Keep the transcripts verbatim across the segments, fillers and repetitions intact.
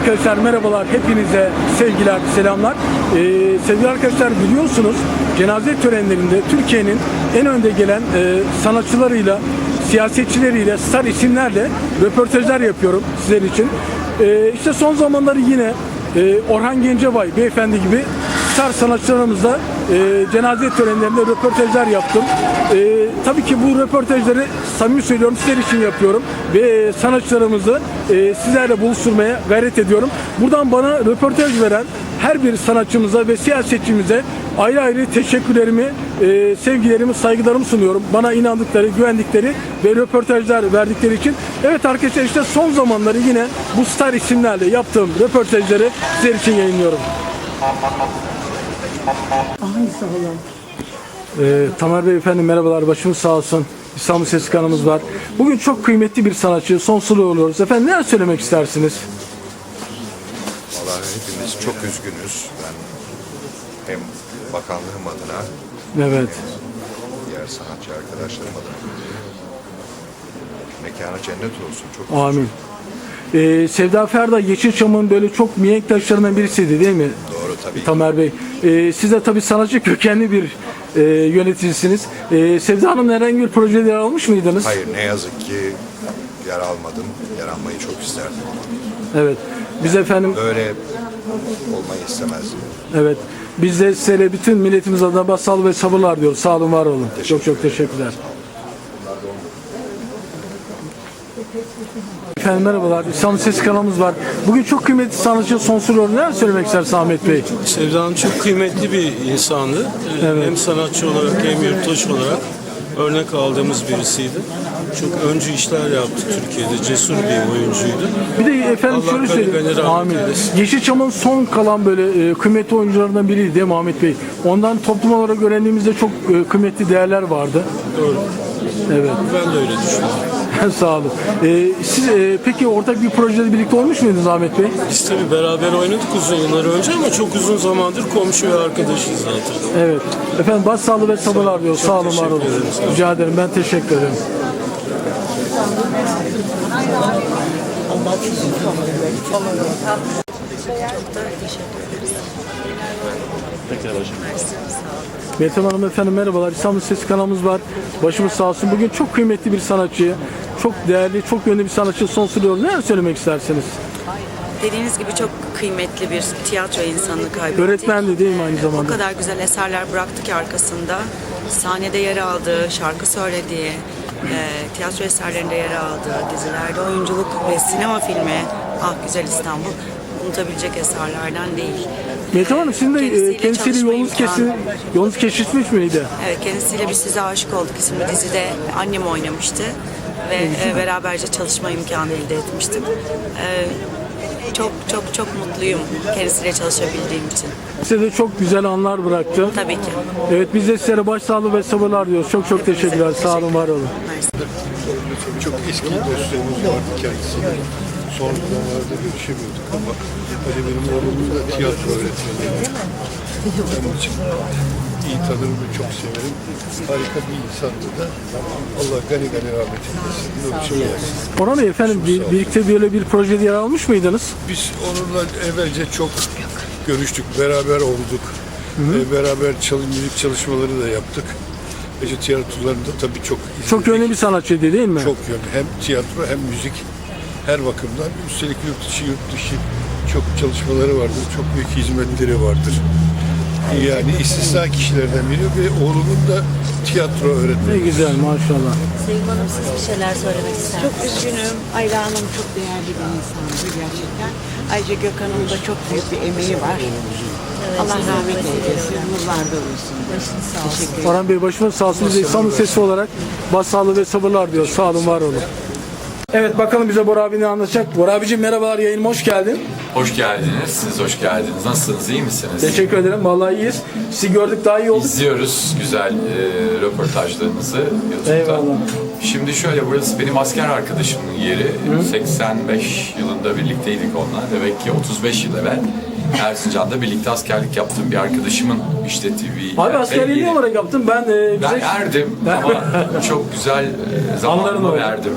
Arkadaşlar merhabalar, hepinize sevgiler, selamlar. Ee, sevgili arkadaşlar, biliyorsunuz cenaze törenlerinde Türkiye'nin en önde gelen e, sanatçılarıyla, siyasetçileriyle, star isimlerle röportajlar yapıyorum sizler için. Ee, işte son zamanları yine e, Orhan Gencebay beyefendi gibi star sanatçılarımızla e, cenaze törenlerinde röportajlar yaptım. E, tabii ki bu röportajları samimi söylüyorum sizler için yapıyorum ve e, sanatçılarımızı e, sizlerle buluşturmaya gayret ediyorum. Buradan bana röportaj veren her bir sanatçımıza ve siyasetçimize ayrı ayrı teşekkürlerimi, e, sevgilerimi, saygılarımı sunuyorum. Bana inandıkları, güvendikleri ve röportajlar verdikleri için. Evet arkadaşlar, işte son zamanları yine bu star isimlerle yaptığım röportajları sizler için yayınlıyorum. Ay sağ olun. Ee, Tamer Bey efendim merhabalar, başımız sağ olsun. İstanbul Sesi kanalımız var. Bugün çok kıymetli bir sanatçı, sonsuzluğu oluyoruz. Efendim neler söylemek istersiniz? Vallahi hepimiz çok üzgünüz. Ben hem bakanlığım adına Evet. hem diğer sanatçı arkadaşlarım adına mekanı cennet olsun. Çok Amin. Ee, Sevda Ferda Yeşilçam'ın böyle çok mihenk taşlarından birisiydi değil mi? doğru tabii. Tamer Bey. Ee, siz de tabii sanatçı kökenli bir e, yöneticisiniz. Ee, Sevda Hanım'la herhangi bir projede yer almış mıydınız? Hayır, ne yazık ki yer almadım. Yer almayı çok isterdim. Evet. Biz efendim Böyle olmayı istemezdim. evet. Biz de size bütün milletimiz adına başsağlığı ve sabırlar diyoruz. Sağ olun, var olun. Çok çok teşekkürler. Efendim merhabalar. İstanbul Sesi kanalımız var. Bugün çok kıymetli sanatçı sonsuz rol. Neler söylemek istersiniz Ahmet Bey? Sevda Hanım çok kıymetli bir insandı. Ee, Evet. Hem sanatçı olarak hem yurttaş olarak örnek aldığımız birisiydi. Çok öncü işler yaptı Türkiye'de. Cesur bir oyuncuydu. Bir de efendim Allah şöyle gani gani söyleyeyim. rahmet Amin. eylesin. Yeşilçam'ın son kalan böyle e, kıymetli oyuncularından biriydi değil mi Ahmet Bey? Ondan toplum olarak öğrendiğimizde çok e, kıymetli değerler vardı. Doğru. Evet. Ben de öyle düşünüyorum. Sağ olun. E, siz e, peki ortak bir projede birlikte olmuş muydunuz Ahmet Bey? Biz tabii beraber oynadık uzun yıllar önce ama çok uzun zamandır komşu ve arkadaşız zaten. Evet. Efendim başsağlığı ve sabırlar diyor. Sağ olun, var olun. teşekkür ederim. Rica ederim. Ben teşekkür ederim. Meltem Hanım efendim merhabalar. İstanbul Sesi kanalımız var. Başımız sağ olsun. Bugün çok kıymetli bir sanatçı, çok değerli, çok yönlü bir sanatçı sonsuz yol. Neler söylemek istersiniz? Dediğiniz gibi çok kıymetli bir tiyatro insanını kaybettik. Öğretmendi değil mi aynı O zamanda? kadar güzel eserler bıraktı ki arkasında. Sahnede yer aldığı, şarkı söylediği, e, tiyatro eserlerinde yer aldığı, dizilerde oyunculuk ve sinema filmi Ah Güzel İstanbul unutabilecek eserlerden değil. Meltem Hanım sizin de e, Kendisiyle kendisiyle çalışma yolunuz, imkanı- kesin, yolunuz kesişmiş miydi? Evet, kendisiyle bir Size Aşık Olduk isimli dizide annem oynamıştı ve e, beraberce çalışma imkanı elde etmiştim. E, çok çok çok mutluyum kendisiyle çalışabildiğim için. Size de çok güzel anlar bıraktı. Tabii ki. Evet, biz de sizlere başsağlığı ve sabırlar diyoruz. Çok çok teşekkürler. Sağ olun, var olun. Mersi. Çok eski dostluğumuz vardı kendisiyle. Son zamanlarda görüşemiyorduk ama hani benim oğlum da tiyatro öğretmeniydi. Onun için iyi tanırım ve çok severim. Harika bir insandı da. Allah gani gani rahmet eylesin. Yolcu olsun. Orhan Bey efendim bir, birlikte böyle bir projede yer almış mıydınız? Biz onunla evvelce çok görüştük, beraber olduk. Ee, beraber çalı- müzik çalışmaları da yaptık. Gece tiyatrolarında tabii çok izledik. Çok yönlü bir sanatçıydı değil mi? Çok yönlü. Hem tiyatro hem müzik her bakımdan. Üstelik yurt dışı yurt dışı çok çalışmaları vardır. Çok büyük hizmetleri vardır. Yani istisna kişilerden biri ve oğlumun da tiyatro Ne öğretmeni. güzel maşallah. Sevim Hanım siz bir şeyler söylemek ister Çok misiniz? üzgünüm. Ayla Hanım çok değerli bir insandı gerçekten. Ayrıca Gökhan'ın da çok büyük bir emeği var. Allah rahmet eylesin. Nurlarda olsun. Teşekkür ederim. Orhan Bey başımız sağ olsun. Biz de İstanbul Sesi olarak başsağlığı ve sabırlar diyor. Sağ olun, var olun. Evet, bakalım bize Bora abi ne anlatacak. Bora abicim merhabalar, yayınıma hoş geldin. Hoş geldiniz. Siz hoş geldiniz. Nasılsınız? İyi misiniz? Teşekkür ederim. Vallahi iyiyiz. Sizi gördük, daha iyi olduk. İzliyoruz güzel e, röportajlarınızı YouTube'da. Eyvallah. Şimdi şöyle, burası benim asker arkadaşımın yeri. seksen beş yılında birlikteydik onunla. Demek ki otuz beş yıl evvel Erzincan'da birlikte askerlik yaptığım bir arkadaşımın işlettiği bir Abi yer. askerliği ne olarak yaptım? Ben e, Ben bize... erdim ama çok güzel e, Anlarım zamanımı oldu. verdim.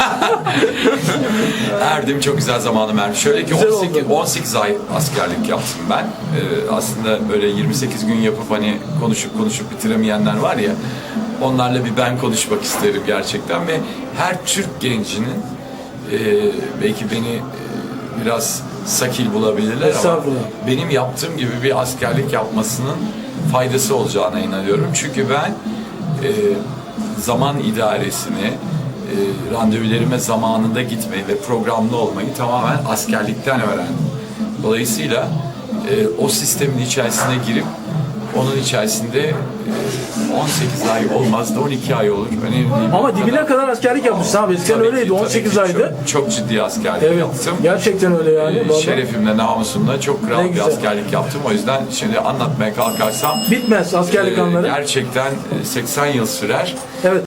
Erdim, çok güzel zamanımı verdim. Şöyle ki Güzel on sekiz, oldu. on sekiz ay askerlik yaptım ben. Ee, aslında böyle yirmi sekiz gün yapıp hani konuşup konuşup bitiremeyenler var ya, onlarla bir ben konuşmak isterim gerçekten ve her Türk gencinin e, belki beni e, biraz sakil bulabilirler ama Estağfurullah. benim yaptığım gibi bir askerlik yapmasının faydası olacağına inanıyorum. Çünkü ben e, zaman idaresini, e, randevularıma zamanında gitmeyi ve programlı olmayı tamamen askerlikten öğrendim. Dolayısıyla e, o sistemin içerisine girip onun içerisinde e, on sekiz ay olmaz da on iki ay olur. Önemli değil. Ama dibine kadar askerlik yapmışsın abi. Eskiden Tabii ki, öyleydi. tabii on sekiz ki aydı. Çok, çok ciddi askerlik Evet. yaptım. Gerçekten öyle yani. Ee, Vallahi. Şerefimle, namusumla çok Ne kral bir güzel. askerlik yaptım. O yüzden şimdi anlatmaya kalkarsam Bitmez askerlik e, anları. gerçekten e, seksen yıl sürer. Evet.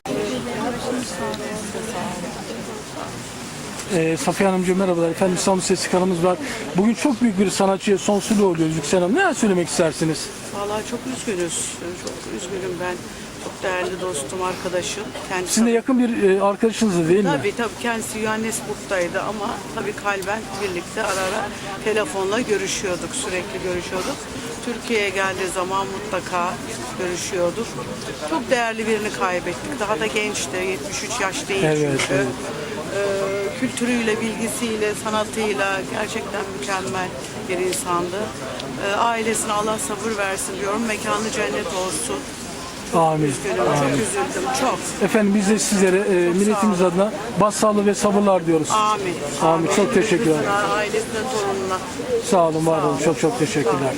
Ee, Safiye Hanımcığım merhabalar. Efendim İstanbul Sesi kanalımız var. Bugün çok büyük bir sanatçıya sonsuzluğu oluyoruz Yüksel Hanım. Neler söylemek istersiniz? Vallahi çok üzgünüz. Çok üzgünüm ben. Çok değerli dostum, arkadaşım. Kendisi Sizin de yakın bir e, arkadaşınız değil mi? Tabii tabii kendisi Johannesburg'daydı ama tabii kalben birlikte ara ara telefonla görüşüyorduk, sürekli görüşüyorduk. Türkiye'ye geldiği zaman mutlaka görüşüyorduk. Çok değerli birini kaybettik. Daha da gençti, yetmiş üç yaş değil Evet, çünkü. evet. Ee, kültürüyle, bilgisiyle, sanatıyla gerçekten mükemmel bir insandı. Ee, ailesine Allah sabır versin diyorum. Mekanı cennet olsun. Amin. Üzgünüm, çok üzüldüm, çok. Efendim biz de sizlere e, milletimiz adına başsağlığı ve sabırlar diyoruz. Amin. Amin. Çok teşekkür ederim. Kızına, ailesine, torununa. Sağ olun, var olun. Çok çok teşekkürler.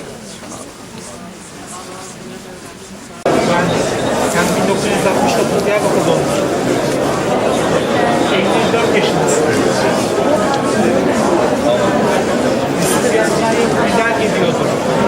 Sen bin dokuz yüz altmış dokuz Diyarbakır doğumlusun. elli dört yaşındasın. Biraz gayet güzel gidiyordur.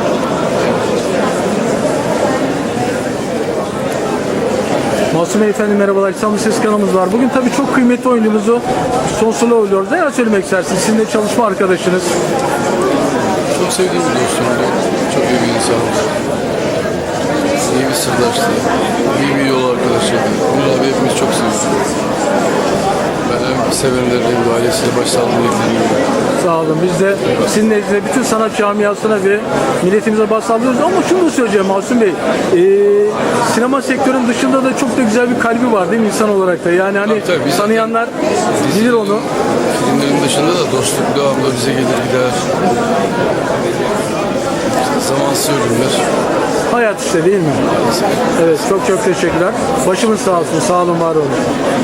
Masum Bey efendim merhabalar. İstanbul Ses kanalımız var. Bugün tabii çok kıymetli oyuncumuzu sonsuzluğa oluyoruz. Neler söylemek istersiniz? Sizin de çalışma arkadaşınız. Çok sevdiğim bir dostumdu. Çok iyi bir insandı. İyi bir sırdaştı. İyi bir yol arkadaşıydı. Bunu abi hepimiz çok seviyoruz. Ben hem sevenlerine hem de ailesine başsağlığını diliyorum. Sağ olun. Biz de sizin nezdinizde bütün sanat camiasına ve milletimize başsağlıyoruz. Ama şunu da söyleyeceğim Masum Bey. Ee, sinema sektörünün dışında da çok da güzel bir kalbi var değil mi insan olarak da? Yani hani Tabii, tabii. Biz- tanıyanlar bilir onu. Filmlerin dışında da dostluk devamlı bize gelir gider. Zamansız ölümler. Hayat işte değil mi? Evet çok çok teşekkürler. Başımız sağ olsun. Sağ olun, var olun.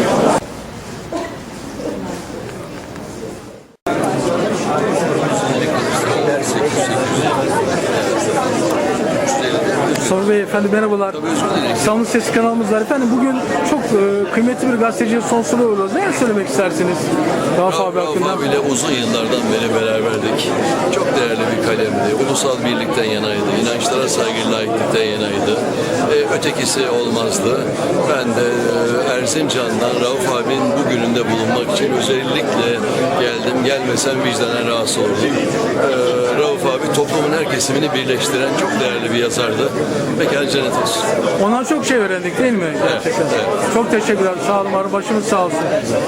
Mustafa Bey efendim merhabalar. İstanbul Sesi kanalımız var. Efendim bugün çok e, kıymetli bir gazeteciye sonsuzluğa uğruyoruz. Neler söylemek istersiniz? Rauf abi hakkında. Rauf abiyle uzun yıllardan beri beraberdik. Çok değerli bir kalemdi. Ulusal birlikten yanaydı. İnançlara saygı, laiklikten yanaydı. Ee, ötekisi olmazdı. Ben de e, Erzincan'dan Rauf abinin bugününde bulunmak için özellikle geldim. Gelmesem vicdanen rahatsız olurdum. Ee, Rauf abi toplumun her kesimini birleştiren çok değerli bir yazardı. Mekan cennet olsun. Ondan çok şey öğrendik değil mi? Gerçekten. evet. Çok teşekkürler. Sağ olun, var. Başımız sağ olsun.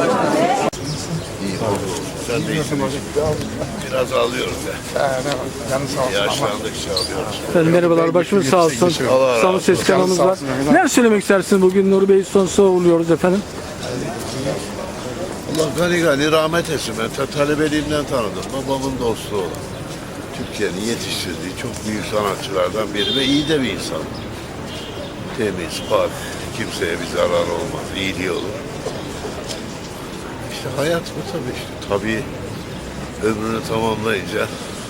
Biraz ağlıyorum ya. Yaşlandıkça ağlıyoruz. Efendim merhabalar, başımız sağ olsun. İstanbul Sesi kanalımız var. Neler söylemek istersiniz? Bugün Nuri Bey'i sonsuzluğa uğurluyoruz efendim. Allah gani gani rahmet etsin. Ben ta- talebeliğimden tanıdım. Babamın dostu olan. Türkiye'nin yetiştirdiği çok büyük sanatçılardan biri ve iyi de bir insan. Temiz, pak, kimseye bir zarar olmaz, iyiliği olur. İşte hayat bu tabii işte. Tabii ömrünü tamamlayınca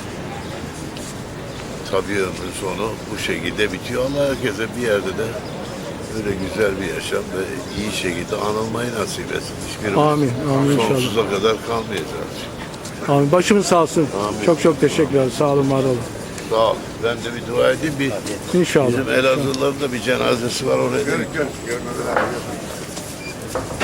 tabii ömrün sonu bu şekilde bitiyor. Allah herkese bir yerde de böyle güzel bir yaşam ve iyi şekilde anılmayı nasip etsin. Hiçbirimiz Amin, amin inşallah. sonsuza kadar kalmayacağız. Amin. Başımız sağ olsun. Amin. Çok çok teşekkürler. Sağ olun, var olun. Sağ ol. Ben de bir dua edeyim. Bir, İnşallah. bizim Elazığlıların da bir cenazesi var oraya. Görük görük.